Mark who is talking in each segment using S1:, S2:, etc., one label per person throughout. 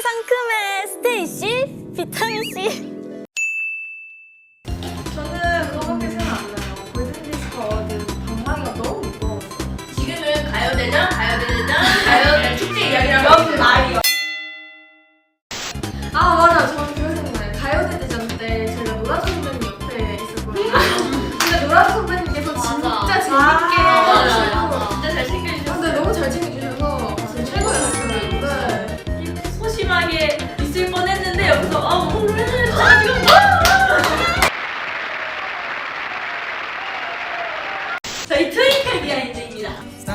S1: 상큼의 스테이시, 비타민C.
S2: 저는 그거밖에 생각 안 나요. 골든디스크 어워드 방망이가 너무 무거웠어요.
S3: 지금은 가요대전, 가요대 축제 이야기라고 말이요.
S2: 아 맞아, 저는 그거 생각나요. 가요대 대전 때 저희가 노라조 선배님 옆에 있었거든요. 근데 노라조 선배님께서 진짜 재밌게 해주시고
S3: 진짜 잘생겨주셨어요.
S2: 근데 너무 잘 챙겨주셔서 진짜 최고였어요. 네.
S3: 소심하게 있을 뻔했는데 여기서 오늘 지금 저희 트윙클 비하인드입니다.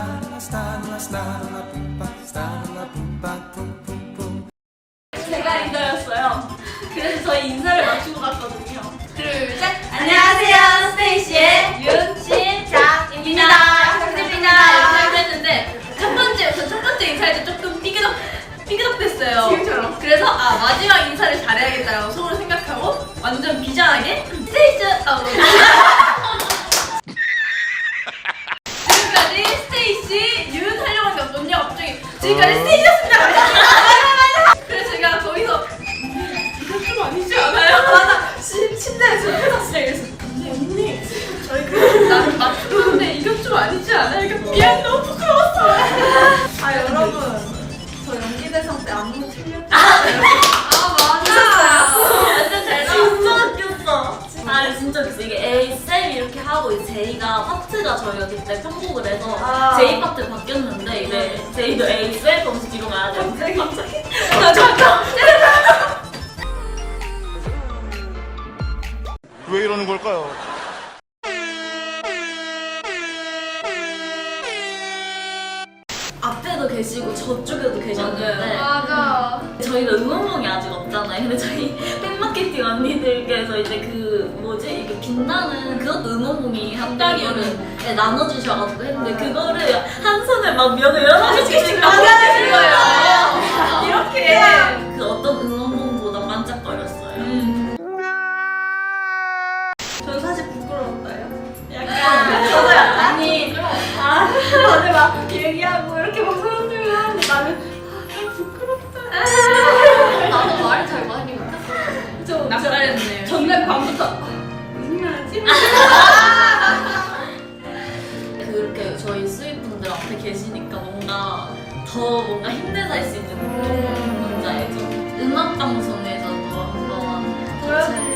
S3: 제가 리더였어요. 그래서 저희 인사를 맞추고 갔거든요. 둘, 셋! 안녕하세요, 스테이시의 윤신장입니다. 부탁드립니다. 이렇게 했는데 첫 번째 인사할 때 조금 삐그덕됐어요.
S2: 지금처럼.
S3: 그래서 마지막 인사를 잘해야겠다라고 속으로 생각하고 완전 비장하게 스테이시 지금까지 스테이시 윤 하려고 했는데 언니가 갑자기 지금까지 스테이시였습니다. 그래서 제가 거기서 이건 좀 아니지 않아요? 맞아. 침대에서 회사 시작해서 언니 저희 나를 맞추는데 이건 좀 아니지 않아요? 이거 미안 너무 부끄러웠어.
S2: 여러분, 저 연기대상 때 안무 틀렸어요.
S3: 맞아. 완전 잘 나왔어. 진짜 웃겼어. 진짜 웃겼어. 이게 A, 쌤 이렇게 하고 이제 제이가 파트가 저희가 그때 편곡을 해서 제이 파트 바뀌었는데 이제 제이도 A, 쌤 검수 뒤로 가야 돼. 갑자기. 잠깐.
S4: 왜 이러는 걸까요?
S3: 앞에도 계시고 저쪽에도 계셨는데
S2: 맞아.
S3: 저희가 응원봉이 아직 없잖아요. 근데 저희 팬마케팅 언니들께서 이제 그 뭐지 이렇게 빛나는 그것도 응원봉이 한 장이를 나눠주셔가지고 했는데 그거를 한 손에 막 몇 여러 개씩 나눠주신 거예요. 이렇게 그 어떤 응원봉보다 반짝거렸어요.
S2: 저는 사실 부끄러웠어요.
S3: 약간 저도 아니 다들 막 얘기하고 이렇게 막 사람들을 하는데 나는
S2: 나도 말을 잘 많이 못했어.
S3: 좀 낯설했네요. 전날 밤부터 무슨 말 하지? 그렇게 저희 수입분들 앞에 계시니까 뭔가 더 뭔가 힘내서 할 수 있는 뭔지 알죠? 음악 방송에서도 한번